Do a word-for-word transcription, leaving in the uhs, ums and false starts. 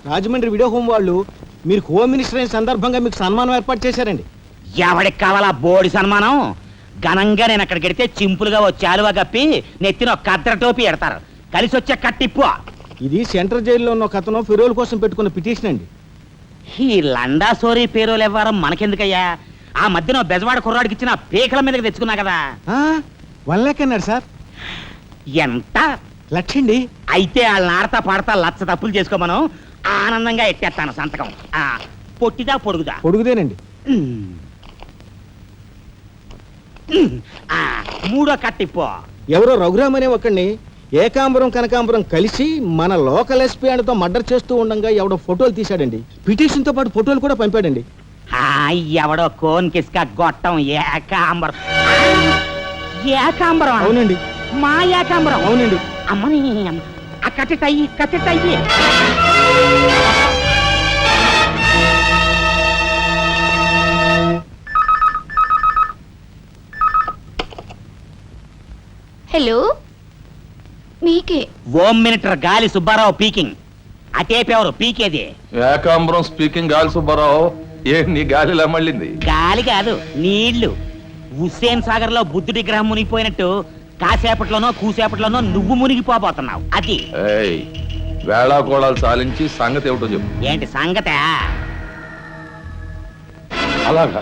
Rajahmundry video home వాళ్ళు మీరు home minister అయిన సందర్భంగా మీకు సన్మానం ఏర్పాటు చేశారండి. ఎవడికి కావాలా బోడి సన్మానం? ఘనంగా నేను అక్కడికి వెడితే చింపులుగా ఓ చాలువా కప్పి నెత్తిన ఒక కద్దర టోపీ ఎడతారు. కలిసి వచ్చే కట్టిప్పు. ఇది సెంట్రల్ జైల్లో ఉన్న ఒక అతను ఫిరోల్ కోసం పెట్టుకున్న పిటిషన్ అండి. ఈ లండా సోరీ పేరోలు ఇవ్వడం మనకెందుకయ్యా? ఆ మధ్యన బెజవాడ కుర్రాడికి ఇచ్చిన పీకల మీదకి తెచ్చుకున్నా కదా. వన్ లాక్ అన్నాడు సార్. ఎంత లక్షండి. అయితే వాళ్ళని ఆడతా పాడతా లచ్చ తప్పులు చేసుకోమను. ఆనందంగా ఎట్టేస్తాను సంతకం. ఆ పొట్టిదా పొడుగుదా? పొడుగుదేనండి. ఉమ్. ఉమ్. ఆ మూడో కట్టిప్పు. ఎవరో రఘురామ్ అనే ఒకడిని ఏకాంబరం కనకాంబరం కలిసి మన లోకల్ ఎస్పీ అండ్తో మర్డర్ చేస్తూ ఉండగా ఎవడో ఫోటోలు తీశాడండి. పిటిషన్ తో పాటు ఫోటోలు కూడా పంపాడండి. ఎవడో కోన్ కిస్క గొట్టం ఏకాంబరం. ఏకాంబరం అవునండి. మా ఏకాంబరం అవునండి. అమ్మని ఆ కట్టెటయ్యి కట్టెటయ్యి. హలో, మీకే. Home minister Gali Subbarao speaking. అటేపెవరు పీకేది? ఏకాంబరం స్పీకింగ్. గాలి సుబ్బారావు, ఏ నీ గాలిలా మళ్ళింది? గాలి కాదు, నీళ్లు. హుస్సేన్ సాగర్ లో బుద్ధుడి గ్రహం మునిగిపోయినట్టు కాసేపట్లోనో కూసేపట్లోనో నువ్వు మునిగిపోబోతున్నావు. అది ఏయ్, వేళాకోళాలు సాలించి సంగతి ఏమిటో చెప్పు. ఏంటి సంగతే? అలాగా